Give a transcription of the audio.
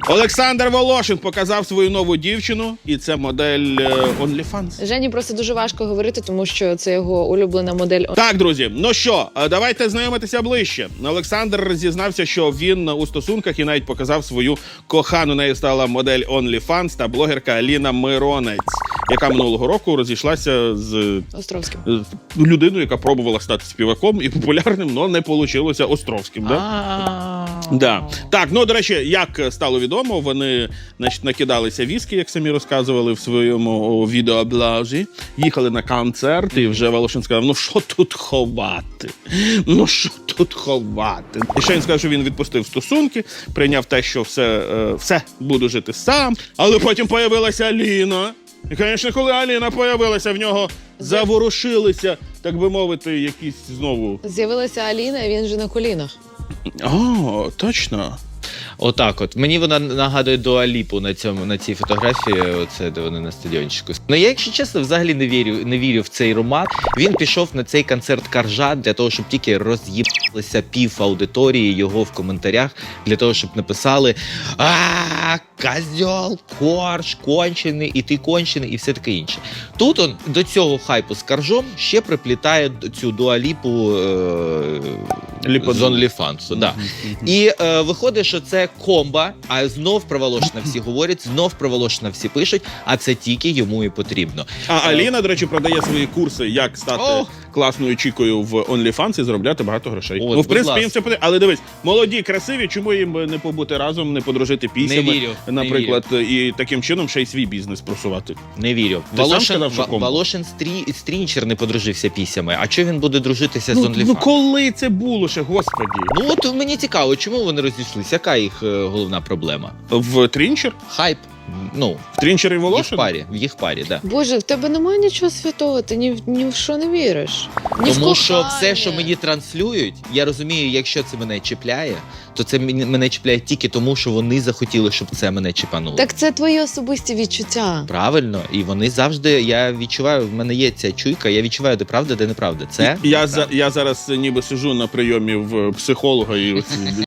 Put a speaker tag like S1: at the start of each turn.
S1: Олександр Волошин показав свою нову дівчину, і це модель OnlyFans.
S2: Жені просто дуже важко говорити, тому що це його улюблена модель.
S1: Так, друзі, ну що, давайте знайомитися ближче. Олександр зізнався, що він у стосунках і навіть показав свою кохану. Нею стала модель OnlyFans та блогерка Аліна Миронець, яка минулого року розійшлася з
S2: Островським.
S1: людиною, яка пробувала стати співаком і популярним, але не вийшло Островським. Да. Так, ну, до речі, як стало відомо, вони, значить, накидалися віскі, як самі розказували в своєму відеоблозі, їхали на концерт, і вже Волошин сказав, ну що тут ховати? Ну що тут ховати? І ще він сказав, що він відпустив стосунки, прийняв те, що все, буду жити сам, але потім появилася Аліна. І, звісно, коли Аліна появилася, в нього заворушилися, так би мовити, якісь знову...
S2: З'явилася Аліна, і він вже на колінах.
S1: О, точно.
S3: Отак от. Мені вона нагадує Дуа Ліпу на цій фотографії, оце, де вони на стадіончику. Ну, я, якщо чесно, взагалі не вірю в цей роман. Він пішов на цей концерт Коржа для того, щоб тільки роз'їбалися пів аудиторії його в коментарях, для того, щоб написали козьол, корж, кончений, і ти кончений, і все таке інше. Тут он до цього хайпу з Коржом ще приплітає цю Дуа Ліпу з OnlyFans. Да. І виходить, що це комба, а знов про Волошина всі говорять, знов про Волошина всі пишуть, а це тільки йому і потрібно.
S1: А Аліна, до речі, продає свої курси, як стати класною чікою в OnlyFans і заробляти багато грошей.
S3: От,
S1: ну, в принципі, їм
S3: ласка.
S1: це потрібно. Але дивись, молоді, красиві, чому їм не побути разом, не подружити піснями,
S3: Не вірю,
S1: наприклад, і таким чином ще й свій бізнес просувати.
S3: Не вірю.
S1: Ти сам сказав, що комбо?
S3: Волошин Стрінчер не подружився пісями. А чого він буде дружитися з OnlyFans?
S1: Ну коли це було ще, господі?
S3: Ну от мені цікаво, чому вони розійшлися? Яка їх головна проблема?
S1: В Трінчер?
S3: Хайп. Ну,
S1: В Трінчер і
S3: в
S1: Волошин?
S3: їх парі, да.
S2: Боже, в тебе немає нічого святого, ти ні в що не віриш. Ні в
S3: Тому що
S2: кохання.
S3: все, що мені транслюють, я розумію, якщо це мене чіпляє, то це мене чіпляє тільки тому, що вони захотіли, щоб це мене чіпануло.
S2: Так це твої особисті відчуття.
S3: Правильно, і вони завжди, я відчуваю, в мене є ця чуйка, я відчуваю, де правда, де неправда. Це
S1: Я зараз ніби сижу на прийомі в психолога і